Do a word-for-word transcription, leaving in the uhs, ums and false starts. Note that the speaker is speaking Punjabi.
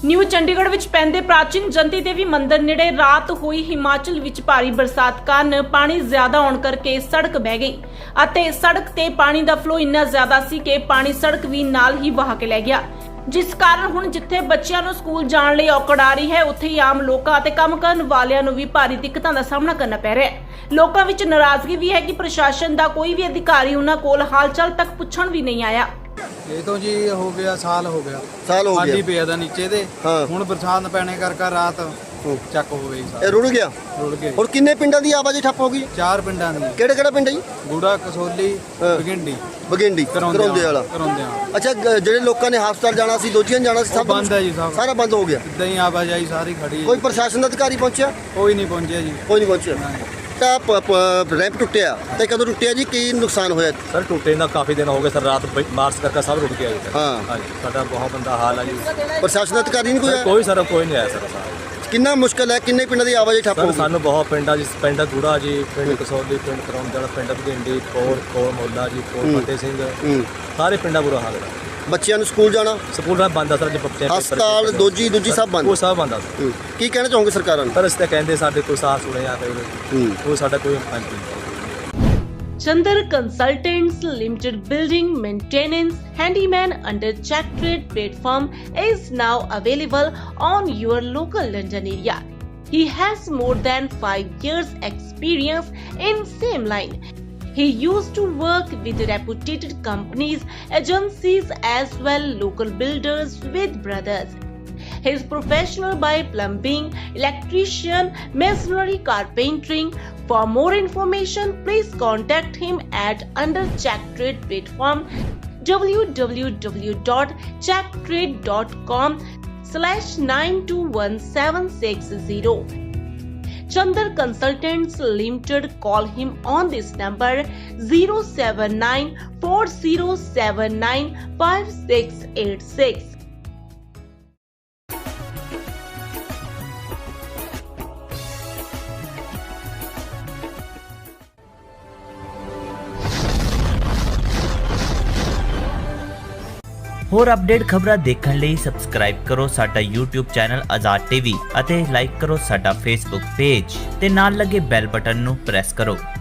ਨਿਊ ਚੰਡੀਗੜ੍ਹ ਵਿੱਚ ਪੈਂਦੇ ਪ੍ਰਾਚੀਨ ਜੰਤੀ ਦੇਵੀ ਮੰਦਿਰ ਨੇੜੇ ਰਾਤ ਹੋਈ ਹਿਮਾਚਲ ਵਿੱਚ ਭਾਰੀ ਬਰਸਾਤ ਕਾਰਨ ਪਾਣੀ ਜ਼ਿਆਦਾ ਆਉਣ ਕਰਕੇ ਸੜਕ ਬਹਿ ਗਈ ਅਤੇ ਸੜਕ ਤੇ ਪਾਣੀ ਦਾ ਫਲੋ ਇੰਨਾ ਜ਼ਿਆਦਾ ਸੀ ਕਿ ਪਾਣੀ ਸੜਕ ਵੀ ਨਾਲ ਹੀ ਵਹਾ ਕੇ ਲੈ ਗਿਆ, ਜਿਸ ਕਾਰਨ ਹੁਣ ਜਿੱਥੇ ਬੱਚਿਆਂ ਨੂੰ ਸਕੂਲ ਜਾਣ ਲਈ ਔਕੜ ਆ ਰਹੀ ਹੈ, ਉੱਥੇ ਹੀ ਆਮ ਲੋਕਾਂ ਅਤੇ ਕੰਮ ਕਰਨ ਵਾਲਿਆਂ ਨੂੰ ਵੀ ਭਾਰੀ ਦਿੱਕਤਾਂ ਦਾ ਸਾਹਮਣਾ ਕਰਨਾ ਪੈ ਰਿਹਾ ਹੈ। ਲੋਕਾਂ ਵਿੱਚ ਨਾਰਾਜ਼ਗੀ ਵੀ ਹੈ ਕਿ ਪ੍ਰਸ਼ਾਸਨ ਦਾ ਕੋਈ ਵੀ ਅਧਿਕਾਰੀ ਉਹਨਾਂ ਕੋਲ ਹਾਲ-ਚਾਲ ਤੱਕ ਪੁੱਛਣ ਵੀ ਨਹੀਂ ਆਇਆ। ਇਹ ਤੋਂ ਜੀ ਹੋ ਗਿਆ ਸਾਲ ਹੋ ਗਿਆ ਸਾਲ ਹੋ ਗਿਆ ਆਂधी ਪਿਆ ਦਾ ਨੀਚੇ ਦੇ ਹਾਂ। ਹੁਣ ਬਰਸਾਤ ਪੈਣੇ ਕਰਕੇ ਰਾਤ ਚੱਕ ਹੋ ਗਈ ਇਹ ਰੁੜ ਗਿਆ। ਰੁੜ ਗਏ। ਹੁਣ ਕਿੰਨੇ ਪਿੰਡਾਂ ਦੀ ਆਵਾਜਾਈ ਠੱਪ ਹੋ ਗਈ? ਚਾਰ ਪਿੰਡਾਂ ਦੀ। ਕਿਹੜੇ ਕਿਹੜਾ ਪਿੰਡ ਹੈ ਜੀ? ਗੂੜਾ, ਕਸੋਲੀ, ਹਾਂ। ਬਗਿੰਡੀ, ਬਗਿੰਡੀ, ਕਰੌਂਦੇ ਵਾਲਾ। ਕਰੌਂਦੇ ਵਾਲਾ। ਅੱਛਾ, ਗ- ਜਿਹੜੇ ਲੋਕਾਂ ਨੇ ਹਸਪਤਾਲ ਜਾਣਾ ਸੀ, ਦੋਜੀਆਂ ਜਾਣਾ ਸੀ, ਉਹ ਸਭ ਬੰਦ ਹੈ ਜੀ ਸਭ। ਸਾਰਾ ਬੰਦ ਹੋ ਗਿਆ। ਇਦਾਂ ਹੀ ਆਵਾਜਾਈ ਸਾਰੀ ਖੜੀ ਹੈ। ਕੋਈ ਪ੍ਰਸ਼ਾਸਨ ਦਾ ਅਧਿਕਾਰੀ ਪਹੁੰਚਿਆ? ਕੋਈ ਨਹੀਂ ਪਹੁੰਚਿਆ ਜੀ। ਕੋਈ ਨਹੀਂ ਪਹੁੰਚਿਆ। ਤਾਂ ਪ- ਪ- ਰੈਂਪ ਟੁੱਟਿਆ ਤੇ ਕਦੋਂ ਟੁੱਟਿਆ ਜੀ? ਕੀ ਨੁਕਸਾਨ ਹੋਇਆ? सर टूटे ना काफ़ी दिन हो गए सर, रात मार्च करके सब रुक गया जी। हाँ। हाँ जी, साਡਾ बहुत बंदा हाल है जी। ਪ੍ਰਸ਼ਾਸਨ ਦਾ ਅਧਿਕਾਰੀ ਨਹੀਂ ਕੋਈ सर ਆਇਆ? कोई सर कोई नहीं आया सर साहब। ਕਿੰਨਾ ਮੁਸ਼ਕਲ ਹੈ? ਕਿੰਨੇ ਪਿੰਡਾਂ ਦੀ ਆਵਾਜਾਈ ਠੱਪ ਹੋ सर ਗਈ? सानू बहुत पिंडा जी, पिंड गूड़ा जी, पिंड कसौली, पिंड करौंदे वाला, पिंड भगिंडी, कोर कोर मोला जी, कोर हम्म। फतेह सिंह, ਹੂੰ। सारे पिंडा बुरा हाल है। ਬੱਚਿਆਂ ਨੂੰ ਸਕੂਲ ਜਾਣਾ, स्कूल में बंद है सर, जो बच्चे ਹਸਪਤਾਲ ਦੋਜੀ ਦੂਜੀ ਸਭ ਬੰਦ। वो सब बंद है सर। ਹੂੰ। ਕੀ ਕਹਿਣਾ ਚਾਹੋਗੇ ਸਰਕਾਰਾਂ ਨੂੰ? पर इससे कहते साढ़े कोई साफ सुने आ गए, ਹੂੰ। वो साਡਾ कोई पंच नहीं। Chandar Consultants Limited Building Maintenance Handyman under Check Trade platform is now available on your local London area. He has more than five years experience in same line. He used to work with reputed companies, agencies as well local builders with brothers. He is professional by plumbing, electrician, masonry, carpentering. For more information, please contact him at under Check Trade platform w w w dot check trade dot com slash nine two one seven six zero. Chandar Consultants Limited, call him on this number zero seven nine four zero seven nine five six eight six. ਹੋਰ ਅਪਡੇਟ ਖਬਰਾਂ ਦੇਖਣ ਲਈ ਸਬਸਕ੍ਰਾਈਬ ਕਰੋ ਸਾਡਾ YouTube ਚੈਨਲ ਆਜ਼ਾਦ ਟੀਵੀ ਅਤੇ ਲਾਈਕ ਕਰੋ ਸਾਡਾ Facebook ਪੇਜ ਤੇ ਨਾਲ ਲੱਗੇ ਬੈਲ ਬਟਨ ਨੂੰ ਪ੍ਰੈਸ ਕਰੋ।